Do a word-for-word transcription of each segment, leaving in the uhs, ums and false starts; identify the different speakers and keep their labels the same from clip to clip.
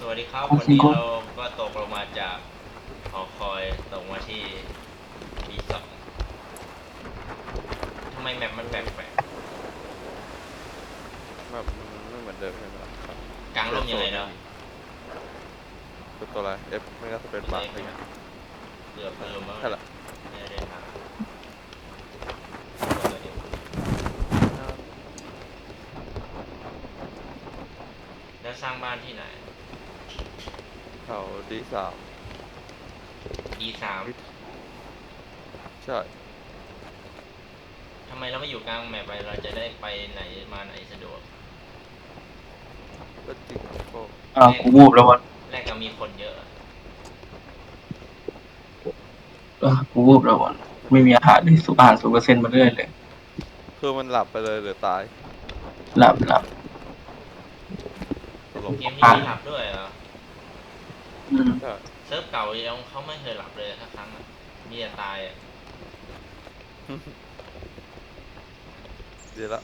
Speaker 1: วัสดีครับ
Speaker 2: ของ
Speaker 1: วันนี้
Speaker 2: ซิงโก้
Speaker 1: เราก็ตกลงมาจากหอคอยตกมาที่บีสองทำไมแมปมันแปลก
Speaker 3: แบบมันไม่เหมือนเดิมใช่ไหมล่ะครับ
Speaker 1: ๆกลางร่มยังไงเนาะ
Speaker 3: คือตัวอะไร F ไม่ก็สเปซบาร์อะไรเงี้ย
Speaker 1: เกือบลืมแล้ว
Speaker 3: ใช่ละ
Speaker 1: ไม่ได้ทางแล้วสร้างบ้านที่ไหน
Speaker 3: เขาดีสาม
Speaker 1: ดีสาม
Speaker 3: ใช่
Speaker 1: ทำไมเราไม่อยู่กลางแมปไปเราจะได้ไปไหนมาไหนสะดวก
Speaker 3: ก็จริงครับก็
Speaker 2: อ่ากูวูบแล้ววะ
Speaker 1: แรกก็มีคนเยอะ
Speaker 2: เออกูวูบแล้ววะไม่มีอาหารเลยสุกอาหารสูเปอร์เซ็นต์มาเรื่อยเลย
Speaker 3: คือมันหลับไปเลยหรือตาย
Speaker 2: หลับหลับ
Speaker 3: ตลก
Speaker 1: เกมนี้มีหลับด้วยเหรอ
Speaker 2: อืม
Speaker 3: ใช่
Speaker 1: เซิร์ฟเก่ายังเขาไม่เคยหลับเลยสักครั้งอะมีแต่ตายอะ
Speaker 3: ดีละ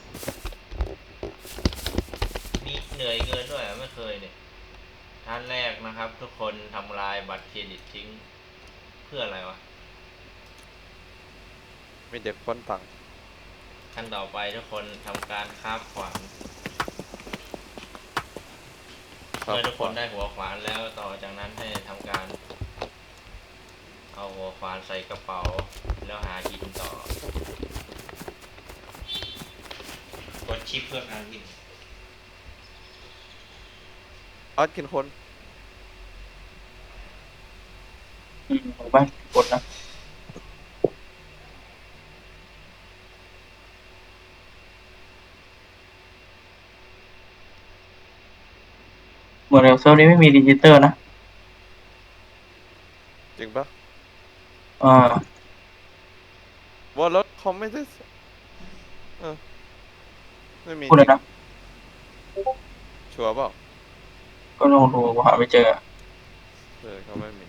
Speaker 1: มีเหนื่อยเกินด้วยไม่เคยเนี่ยท่านแรกนะครับทุกคนทำลายบัตรเครดิตทิ้งเพื่ออะไรวะ
Speaker 3: มีเด็กป้นตังค์
Speaker 1: ขั้นต่อไปทุกคนทำการคาบขวาน
Speaker 3: ครับ
Speaker 1: เมื่อทุกคนได้หัวขวานแล้วต่อจากนั้นให้ทำการเอาหัวขวานใส่กระเป๋าแล้วหาหินต่อกดชิปเพื่อหาหิน
Speaker 3: ออสกินคน
Speaker 2: อืมของบ้านกดนะเหมือนเซิร์ฟนี้ไม่มีดิจิตอลนะ
Speaker 3: จริงปะ
Speaker 2: อ่า
Speaker 3: ว่ารถเขาไม่ได้เออไม่มีจริง
Speaker 2: พูดเลยนะ
Speaker 3: ชัวร์เปล่า
Speaker 2: ก็ลองดูกูหาไม่เจอ
Speaker 3: เออเขาไม่มี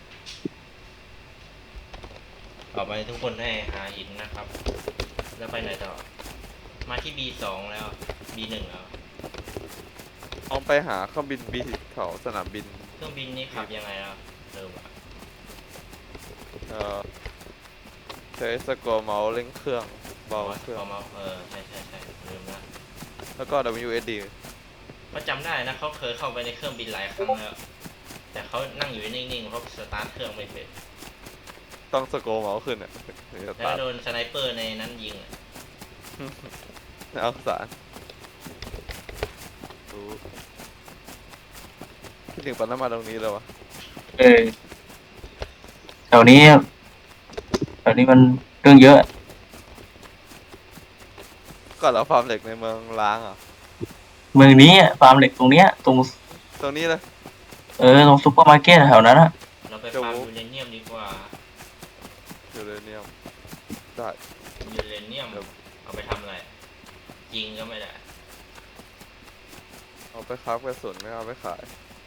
Speaker 1: ต่อไปทุกคนให้หาหินนะครับแล้วไปไหนต่อมาที่ บี สองแล้ว บี หนึ่งแล้ว
Speaker 3: ลองไปหาเครื่องบินบีเขาสนามบิน
Speaker 1: เครื่องบินนี้ขับยังไงล่ะเริ่มอะ
Speaker 3: เออใช้สกอร์เมาส์เร่งเครื่องเบาเครื่อง
Speaker 1: พอมาเออใช่ใช่ใช่ลืมละ
Speaker 3: แล้วก็ ดับเบิลยู เอส ดี
Speaker 1: เขาจำได้นะเขาเคยเข้าไปในเครื่องบินหลายครั้งแล้วแต่เขานั่งอยู่นิ่งๆเพราะสตาร์ทเครื่องไม่เป็น
Speaker 3: ต้องสกอร์เมาส์ขึ้นอ่ะถึงจะ
Speaker 1: แล้ว
Speaker 3: ตัด
Speaker 1: โดนสไนเปอร์ในนั้นยิงอะ
Speaker 3: เอาสารรู้คิดถึงปั๊มน้ำมันตรงนี้เลยวะ
Speaker 2: เออแถวนี้แถวนี้มันเรื่องเยอะ
Speaker 3: ก่อนเราฟาร์มเหล็กในเมืองล้างอ่ะ
Speaker 2: เมืองนี้อะฟาร์มเหล็กตรงเนี้ยตรง
Speaker 3: ตรงนี้เลย
Speaker 2: เออตรงซุปเปอร์มาร์เก็ตแถวนั้นอะ
Speaker 1: เราไปฟาร์มยูเรเนียมดีกว่า
Speaker 3: ยูเรเนียมได้
Speaker 1: ยูเรเนียมเอาไปทำอะไรยิงก็ไม่ได้
Speaker 3: เอาไปค้าบกระสุนไม่เอาไปขาย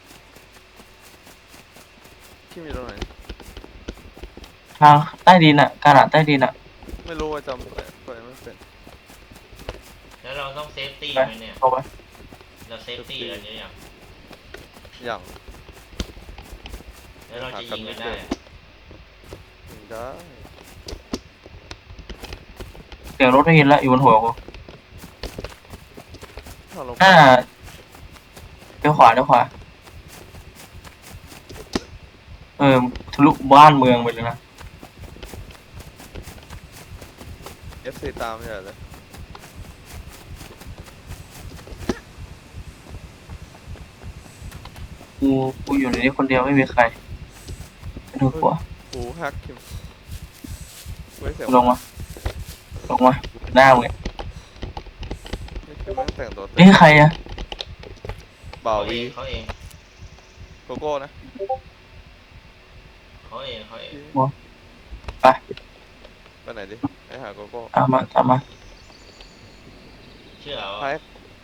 Speaker 3: ที่มีตรงไหน
Speaker 2: ทางใต้ดินอะกาลาดใต้ดินอะ
Speaker 3: ไม่รู้ว่าจำไปไปไม่เป็น
Speaker 1: แล้วเราต้องเซฟตี้
Speaker 2: ไป
Speaker 1: ไหมเนี่ย
Speaker 2: เข้าไป
Speaker 1: เราเซฟตี้อะไรเนี่ยยัง
Speaker 3: อย่าง
Speaker 1: แล้วเราจะยิงกันได้
Speaker 3: ยิงได้
Speaker 2: เสียงรถได้ยินแล้วอยู่บนหัวกู
Speaker 3: ถ้าลงไป
Speaker 2: อ่าเดี๋ยวขวาเดี๋ยวขวาเออทะลุบ้านเมืองไปเลยนะ
Speaker 3: เอฟซีตามเนี่ยเลย
Speaker 2: กูกูอยู่ในนี้คนเดียวไม่มีใครไม่ต้องกลัว
Speaker 3: กูแฮกคิมเว้ยเสียง
Speaker 2: ลงมาลงมาหน้ามึงเนี่ย
Speaker 3: นี่คือแม่งแต่งตัวเต็
Speaker 2: เอ้ย
Speaker 3: ม
Speaker 2: ใครอะ
Speaker 3: บ่าว
Speaker 1: เขาเอ
Speaker 3: วี
Speaker 1: งเขาเอง
Speaker 3: โกโก้นะ
Speaker 1: เขาเองเขาเอง
Speaker 2: ไป
Speaker 3: ไปไหนดิไปหาโกโก้
Speaker 2: ตามมาตามมา
Speaker 1: เชื่อเหรอ
Speaker 3: ไป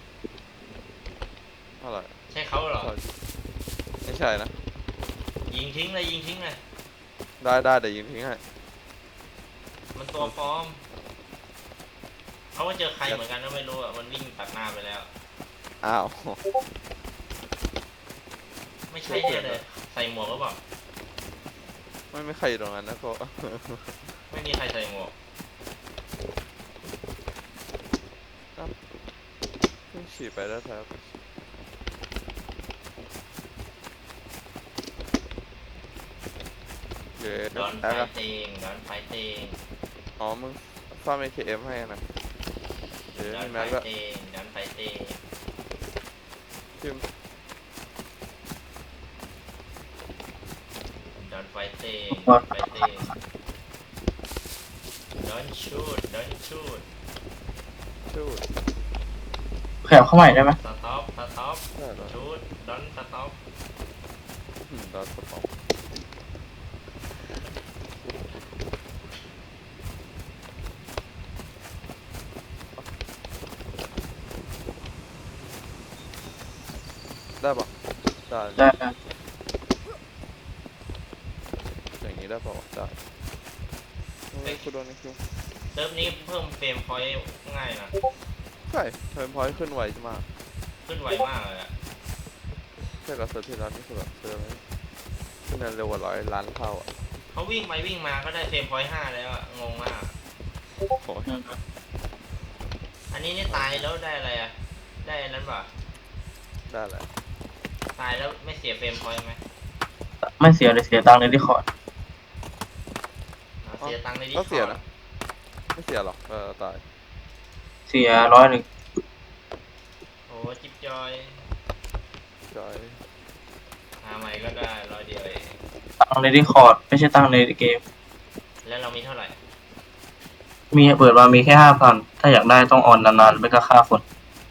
Speaker 3: อะไร
Speaker 1: ใช่เขาเหรอ
Speaker 3: ไม่ใช่นะ
Speaker 1: ยิงทิ้งเลยยิงทิ้งเลย
Speaker 3: ได้ได้เดี๋ยวยิงทิ้งให้
Speaker 1: มันตัวปลอมเขาก็เจอใครเหมือนกันก็ไม่รู้อ่ะมันวิ่งตัดหน้าไปแล้ว
Speaker 3: อ้าว
Speaker 1: ไม่ไม่ใช่แน่เลยใส่หมวกหรือเปล่า
Speaker 3: ไม่ไม่ใครอยู่ตรงนั้นนะก็
Speaker 1: ไม่มีใครใส่หมวก
Speaker 3: เพิ่งฉีดไปแล้วครับเย้
Speaker 1: ดอนไฟ
Speaker 3: แอ๊กอะ
Speaker 1: เตงดอนไฟเตง
Speaker 3: อ๋อมึงซ่อม เอ เค เอ็ม ให้นะเย้
Speaker 1: ดอน
Speaker 3: มี
Speaker 1: ไฟ
Speaker 3: แม็กแล้ว
Speaker 1: เตงดอนไฟเตง
Speaker 3: พิม
Speaker 1: ดอนไฟเตงดอนไฟเตงดอนชูดดอนชูด
Speaker 3: ชูด
Speaker 2: ขยับเข้าใหม่ได้ไหม
Speaker 1: สต็อปสต็อป
Speaker 3: ได้แล้ว
Speaker 1: ชูดดอนสต็อป
Speaker 3: อืมดอนสปองได้ปะได้
Speaker 2: ได้ได้
Speaker 3: อย่างนี้ได้ปะวะได้เฮ้ยกูโดนนี่คิว
Speaker 1: เซิร์ฟนี้เพิ่มเฟรมพอยต์ง่ายนะ
Speaker 3: ใช่เพิ่มพอยต์ขึ้นไวมาก
Speaker 1: ขึ้นไวมากเลยอะ
Speaker 3: ใช่กับเซิร์ฟที่ร้านนี่คือแบบเซิร์ฟนี้ขึ้นเร็วกว่าร้อยล้านเท่าอ่ะ
Speaker 1: เขาวิ่งไปวิ่งมาก็ได้เฟรมพอยต์ห้าแล้วอะงงมาก
Speaker 3: โอ้โห
Speaker 2: อืม
Speaker 1: อันนี้นี่ตายแล้วได้อะไรอะได้อันนั้นป่ะ
Speaker 3: ได้แหละ
Speaker 1: ตายแล้วไม่เสียเฟรมพอยต์ไหม
Speaker 2: ไม่เสียเลยเสียตังค์ในที่คอร์ด
Speaker 1: เอาเสียตังค์ในดิ
Speaker 3: ก็
Speaker 1: ส
Speaker 3: เสีย
Speaker 1: คอร์ด
Speaker 3: นะไม่เสียหรอกเออตาย
Speaker 2: เสียร้อยหนึ่ง
Speaker 1: โอ้จิ๊บจอย
Speaker 3: จอย
Speaker 1: หาใหม่ก็ได้ร้อยเดียวเอง
Speaker 2: ตังค์ในที่คอร์ดไม่ใช่ตังค์ในเกม
Speaker 1: แล้วเรามีเท่าไหร่
Speaker 2: มีเปิดมามีแค่ห้าพันถ้าอยากได้ต้องออนนานๆไม่ก็ค่าคน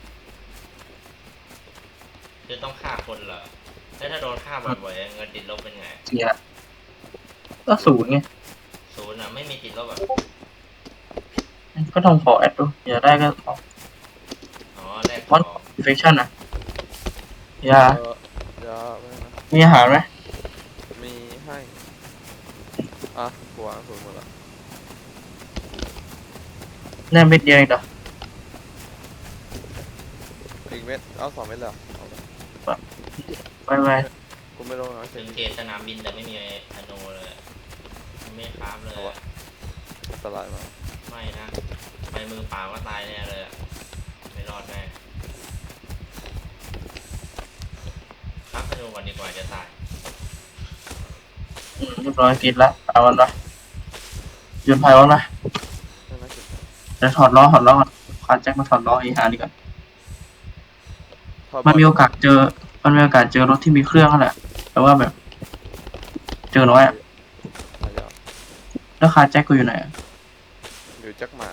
Speaker 1: คือต้องฆ่าคนเหรอแล้วถ้าโดนฆ่าบ่อยๆเงินติดลบเป็นไง
Speaker 2: เสียก็ศูนย์ไง
Speaker 1: ศูนย์อะไม่มีติดลบอะ
Speaker 2: ก็ต้องขอแอดดูอยากได้ก็ขอ
Speaker 1: อ๋อแลกข
Speaker 2: วั
Speaker 1: อน ง
Speaker 2: อินเฟคชั่นนะยา
Speaker 3: เออยาไม่นะ
Speaker 2: มีอาหารไหม
Speaker 3: มีให้อ่ะกูวางศูนย์หมดละ
Speaker 2: แน่เม็ดเดียวเองเหรอ
Speaker 3: อีกเม็ดเอาสองเม็ดแล้วเอาไป
Speaker 2: ไปไป
Speaker 3: กูไม่รู้นะ
Speaker 1: ถึ
Speaker 3: เช่น
Speaker 1: งเขตสนามบินแต่ไม่มีธนูเลยไม่คราฟเลยอะ
Speaker 3: อันตรายมาก
Speaker 1: ไม่นะไปมือเปล่าก็ตายแน่เลยอะไม่รอดแน่ครับธนูก่อนดีกว่าจะตาย
Speaker 2: อืมเรียบร้อยกินละเอาวันละยืนไพ่วันละ
Speaker 3: ไม่น่าจะ
Speaker 2: เดี๋ยวถอดล้อถอดล้อก่อนคาแจ็คมาถอดล้ออีหาดีกว่า
Speaker 3: ถ้า
Speaker 2: มันมีโอกาสเจอ มันมีโอกาสเจอรถที่มีเครื่องนั่นแหละ แต่ว่าแบบ เจอน้อยอะ
Speaker 3: หายาก
Speaker 2: แล้วคาแจ็คกูอยู่ไหนอะ
Speaker 3: อยู่แจ็คหมา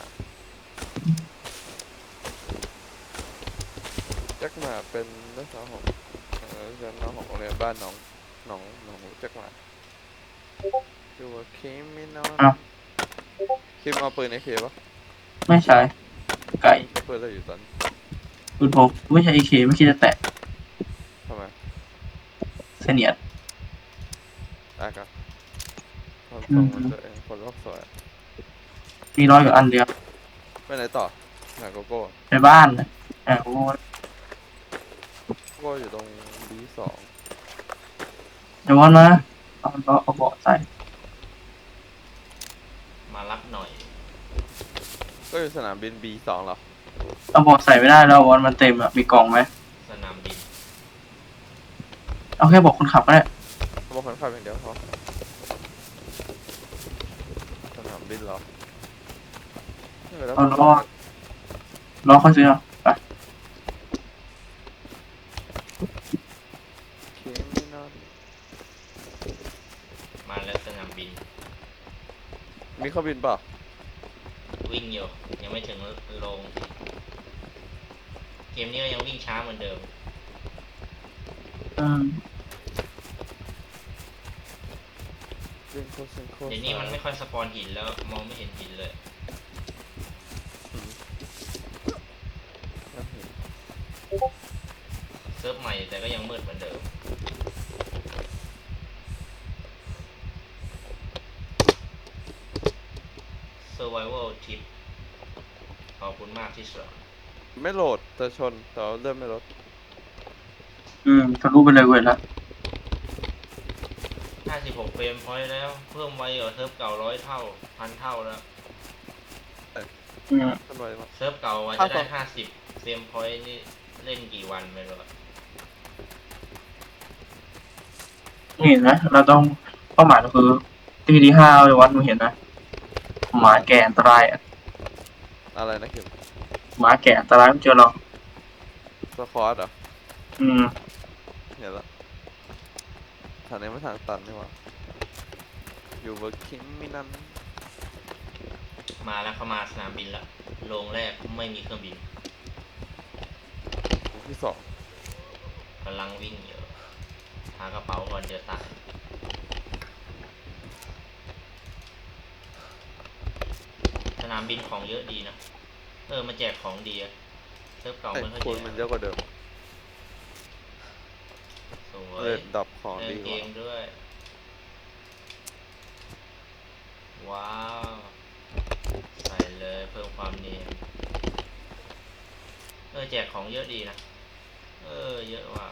Speaker 3: แจ็คหมาเป็นนักศึกษาของเออเรียนน้องของโรงเรียนบ้านน้องน้องน้องแจ็คหมาอยู่ว่าคิมไม่นอน
Speaker 2: อ้าว
Speaker 3: คิมเอาปืนไอเคปะ
Speaker 2: ไม่ใช่ ไก่
Speaker 3: ปืนอะไรอยู่ตอน
Speaker 2: ปืนพกไม่ใช่เอเคไม่คิดจะแตะ
Speaker 3: ทำไม
Speaker 2: เสนียด
Speaker 3: อากาคน
Speaker 2: อื
Speaker 3: ส่ง
Speaker 2: ม
Speaker 3: มันตัวเองคนโลกสวย
Speaker 2: มีร้อยกับอันเดียว
Speaker 3: ไปไหนต่อหาโกโก้
Speaker 2: ในบ้านนะอ่ะโอ้ย
Speaker 3: โกโก้อยู่ตรง บี สอง
Speaker 2: เดี๋ยววันนะเอาล้อเอาเบาะใส่
Speaker 1: มารับหน่อย
Speaker 3: ก็อยู่สนามบิน บี สองเหรอ
Speaker 2: เอาเบาะใส่ไม่ได้แล้ววันมันเต็มอะมีกล่องไหม
Speaker 1: สนามบิน
Speaker 2: เอาแค่บอกคนขับก็ได้
Speaker 3: เขาบอกคนขับอย่างเดียวพอสนามบินเหรอไม่เป็นไร
Speaker 2: เอาล้อล้อค่อยซื้อเอาไป
Speaker 3: คิมไม่นอน
Speaker 1: มาแล้วสนามบิน
Speaker 3: มีเครื่องบินเปล่า
Speaker 1: วิ่งอยู่ยังไม่ถึงโรงเกมนี้ก็ยังวิ่งช้าเหมือนเดิม
Speaker 2: อืม
Speaker 3: ซิงโคซิงโค
Speaker 1: เดี๋ยวนี้มันไม่ค่อยสปอนหินแล้วมองไม่เห็นหินเลย เซิร์ฟใหม่แต่ก็ยังมืดเหมือนเดิม Survival Tip ขอบคุณมากที่สอน
Speaker 3: ไม่โหลดแต่ชนแต่ว่าเริ่มไม่ลด
Speaker 2: อืมทะลุไปเลยเว้ยละ
Speaker 1: สิบหกเฟรมพอยต์แล้ว เพิ่มไวกว่าเซิร์ฟเก่าร้อยเท่าพันเท่าแล้ว
Speaker 2: อืม
Speaker 3: มันไวมาก
Speaker 1: เซิร์ฟเก่าว่าจะได้ห้าสิบเฟรมพอยต์นี่เล่นกี่วันไม่รู้อะ
Speaker 2: นี่เห็นไหมเราต้องเป้าหมายก็คือที่ที่ห้าเลยวัดมึงเห็นนะหมาแก่อันตรายอ่ะ
Speaker 3: อะไรนะคิม
Speaker 2: หมาแก่อันตรายไม่เจอหรอก
Speaker 3: สควอตเหรอ
Speaker 2: อืม
Speaker 3: เห็นละทางนี้ไม่ทางตันนี่หว่าอยู่เวอร์คิงมินัน
Speaker 1: มาแล้วเข้ามาสนามบินละโรงแรกไม่มีเครื่องบิน
Speaker 3: ที่สอง
Speaker 1: กำลังวิ่งอยู่หากระเป๋าก่อนเดี๋ยวตายสนามบินของเยอะดีนะเออมาแจกของดีอะเซิร์ฟเก่า
Speaker 3: ไอ้
Speaker 1: ไม่ค่อย
Speaker 3: คู
Speaker 1: แจ
Speaker 3: ณ
Speaker 1: ก
Speaker 3: มันเยอะกว่าเดิม
Speaker 1: สวย
Speaker 3: เลดดับของ
Speaker 1: เล่
Speaker 3: ดี
Speaker 1: น
Speaker 3: ก
Speaker 1: เก
Speaker 3: ว่าม
Speaker 1: ด้วย ว้าวใส่เลยเพิ่มความเนียนเออแจกของเยอะดีนะเออเยอะว่ะ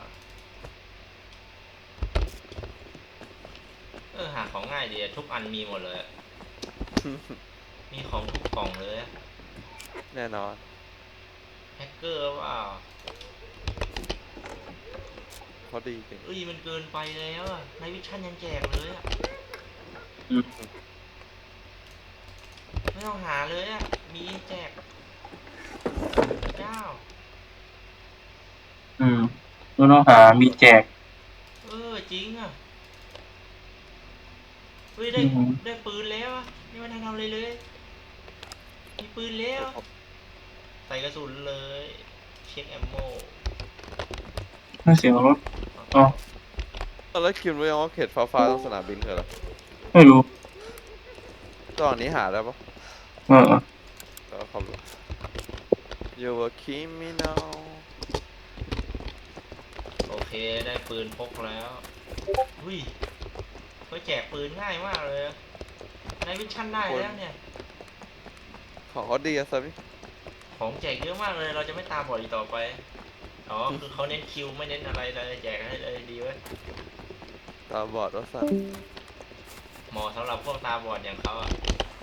Speaker 1: เออหาของง่ายดีอะทุกอันมีหมดเลยอะ มีของทุกกล่องเลยอะ
Speaker 3: แน่นอน
Speaker 1: แฮกเกอร์ว่า
Speaker 3: เขาดีจริง
Speaker 1: เอ้ยมันเกินไปแล้วอะในวิชั่นยังแจกเลยอะ
Speaker 2: อืม
Speaker 1: ไม่ต้องหาเลยอะมีแจกเจ้า
Speaker 2: อืมเราต้องหามีแจก
Speaker 1: เออจริงอะเฮ้ยได้
Speaker 2: อืม
Speaker 1: ได้ปืนแล้วอะไม่มาทำอะไรเลย มีปืนแล้ว ใส่กระสุนเลย เช็คแอมโม
Speaker 2: นั่นเสียงรถ อ๋อ
Speaker 3: แล้วคิมรู้ยังว่าเขตฟ้าฟ้าตรงสนามบินคืออะไร
Speaker 2: ไม่รู้
Speaker 3: ตอนนี้หาได้ปะ
Speaker 2: เออ
Speaker 3: เดี๋ยวขับรถ You were criminal
Speaker 1: โอเคได้ปืนพกแล้วหุ้ยเขาแจกปืนง่ายมากเลยอะในวิชั่นได้แล้วเนี่ย
Speaker 3: ของเขาดีอะซับ
Speaker 1: ของแจกเยอะมากเลย เราจะไม่ตามบอดอีกต่อไป อ๋อ คือเขาเน้นคิวไม่เน้นอะไรเลยแจกให้เลยดีเว้ย
Speaker 3: ตาบอดว่าสัต
Speaker 1: เหมาะสำหรับพวกตาบอดอย่างเขาอ่ะ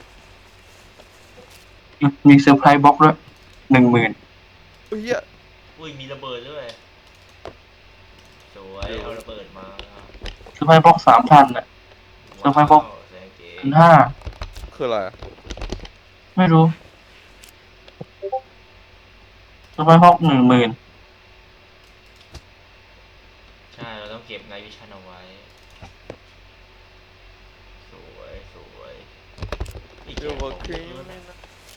Speaker 2: มีเซอร์ไพรส์บ็อกด้วยหนึ่งหมื่น
Speaker 3: อุ้ยเหี้ย
Speaker 1: อุ้ยมีระเบิดด้วย สวย เอาระเบิดมา
Speaker 2: เซอร์ไพรส์บ็อกสามพันอ่ะ เซอร์ไพรส์พวก
Speaker 1: ว้าวแสงเก๋
Speaker 2: พันห้า
Speaker 3: คืออะไรอะ
Speaker 2: ไม่รู้เซอร์ไพรส์บ็อกหนึ่งหมื่น
Speaker 1: ใช่ เราต้องเก็บในวิชั่นเอาไว้ สวยสวยอีกแจ
Speaker 3: You
Speaker 1: กขอ
Speaker 3: were
Speaker 1: งเยอะด้วยนะ
Speaker 3: criminal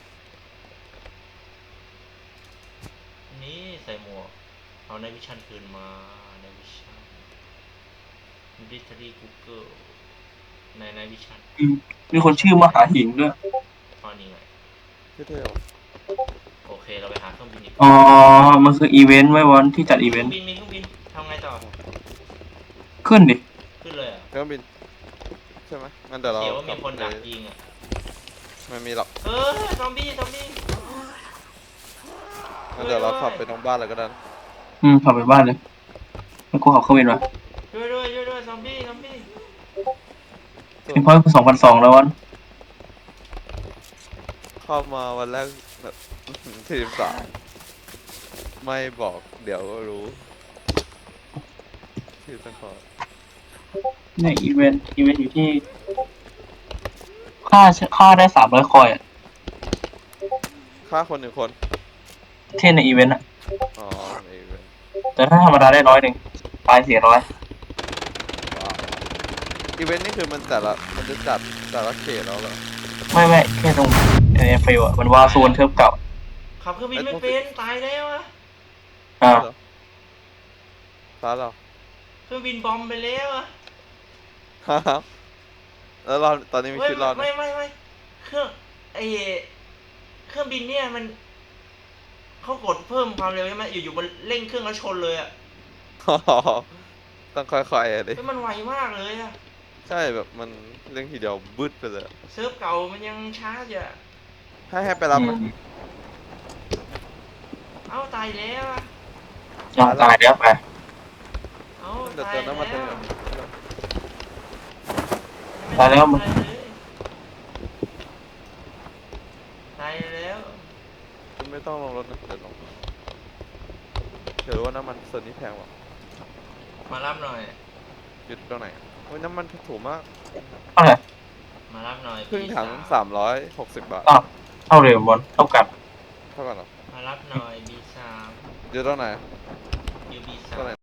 Speaker 1: นี่ใส่หมวก เอาในวิชั่นคืนมาในวิชั่นดิทรีกูเกิลในในวิชั่น
Speaker 2: มีคนชื่อมหาหิงด้วย
Speaker 1: ตอนนี้ไง
Speaker 3: เท่ๆว่ะ
Speaker 1: โอเคเราไปหาเครื่องบินอีก
Speaker 2: อ๋อ มันคืออีเวนต์ไว้วันที่จัดอี
Speaker 1: เค
Speaker 2: เว
Speaker 1: รื่
Speaker 2: น
Speaker 1: อง
Speaker 2: ต์
Speaker 1: บินมีเครื่องบินทำไงต่อ
Speaker 2: ขึ้นดิ
Speaker 1: ขึ้นเลยเหรอ่ะ
Speaker 3: เครื่องบินใช่ไหมงั้นเดี๋ยวเรา
Speaker 1: เสียว่ามีคนดัก
Speaker 3: ไป
Speaker 1: ยิงอ่ะ
Speaker 3: ไม่มีหรอก
Speaker 1: เออซอมบี้ซอมบี้
Speaker 3: งั้นเดี๋ยวเราขับไปตรงบ้านเลยก็ได้นะ
Speaker 2: อืมขับไปบ้านเลยแล้วกูขับเข้าเวนมา
Speaker 1: ช่วยด้วยช่วยด้วยซอมบี้ซอมบี้
Speaker 2: เป็นพอยต์สองพันสองแล้ววัน
Speaker 3: เข้ามาวันแรกแบบทีมสามไม่บอกเดี๋ยวก็รู้ที่สกอร์
Speaker 2: ในอีเวนต์อีเวนต์อยู่ที่ ค่าค่าได้สามร้อยคอยอ่ะ
Speaker 3: ฆ่าคนหนึ่งคน
Speaker 2: ที่ในอีเวนต์อ่ะ
Speaker 3: อ๋อในอีเวนต์
Speaker 2: แต่ถ้าธรรมดาได้ร้อยหนึ่งตายสี่ร้อย
Speaker 3: ว้าวอีเวนต์นี่คือมันแต่ละมันจะจัดแต่ละเขตแล้วเหรอ
Speaker 2: ไม่ไม่แค่ตรงเอเอฟฟิลอ่ะ มันวาโซนเทิร์ฟเก่า
Speaker 1: ขับเครื่องบินไม่เป็นตายแล้วอะ
Speaker 2: อ่า
Speaker 3: เหรอฟ้าเหรอ
Speaker 1: เครื่องบินบอมไปแล้วอะ
Speaker 3: ฮ่าฮ่าแล้วเราตอนนี้มี
Speaker 1: เฮ้ย
Speaker 3: ชีวิตรอดไหม
Speaker 1: ไม่ไม่ไม่เครื่องไอเครื่องบินเนี่ยมันเขากดเพิ่มความเร็วใช่ไหมอยู่ๆมันเร่งเครื่องแล้วชนเลยอะ
Speaker 3: ต้องค่อยๆอะดิ
Speaker 1: เฮ้ยมันไวมากเลยอะ
Speaker 3: ใช่แบบมันเร่งทีเดียวบึ้ดไปเลย
Speaker 1: เซิร์ฟเก่ามันยังช้าอยู่อะ
Speaker 3: ให้ให้ไปรับไหม
Speaker 1: เอ้าตายแล้วอะ
Speaker 2: ยอมตายแล้วไป
Speaker 1: เอ้า
Speaker 3: เดี๋ยว
Speaker 1: ตาย
Speaker 3: เติมน้ำมันเติม
Speaker 1: แล้ว
Speaker 3: น้ำมัน
Speaker 2: ตายแล้วมึง
Speaker 1: ตายแล้ว
Speaker 3: คุณไม่ต้องลงรถนะเดี๋ยวลงเดี๋ยวรู้ว่าน้ำมันส่วนนี้แพงกว่า
Speaker 1: มารับหน่อย
Speaker 3: อยู่ตรงไหนโอ้ยน้ำมันถูกมาก
Speaker 2: เท่าไหร่
Speaker 1: มารับหน่อย
Speaker 3: ครึ่ง
Speaker 1: พี่
Speaker 3: ถัง
Speaker 1: สาว
Speaker 3: สามร้อยหกสิบบาท
Speaker 2: อ้าวเท่าเดิมบนเท่ากัน
Speaker 3: เท่ากันเหรอ
Speaker 1: มารับหน่อยบีสาม
Speaker 3: อยู่ตรงไหน
Speaker 1: อยู่บี
Speaker 3: ตร
Speaker 1: สาง ม
Speaker 3: ไหน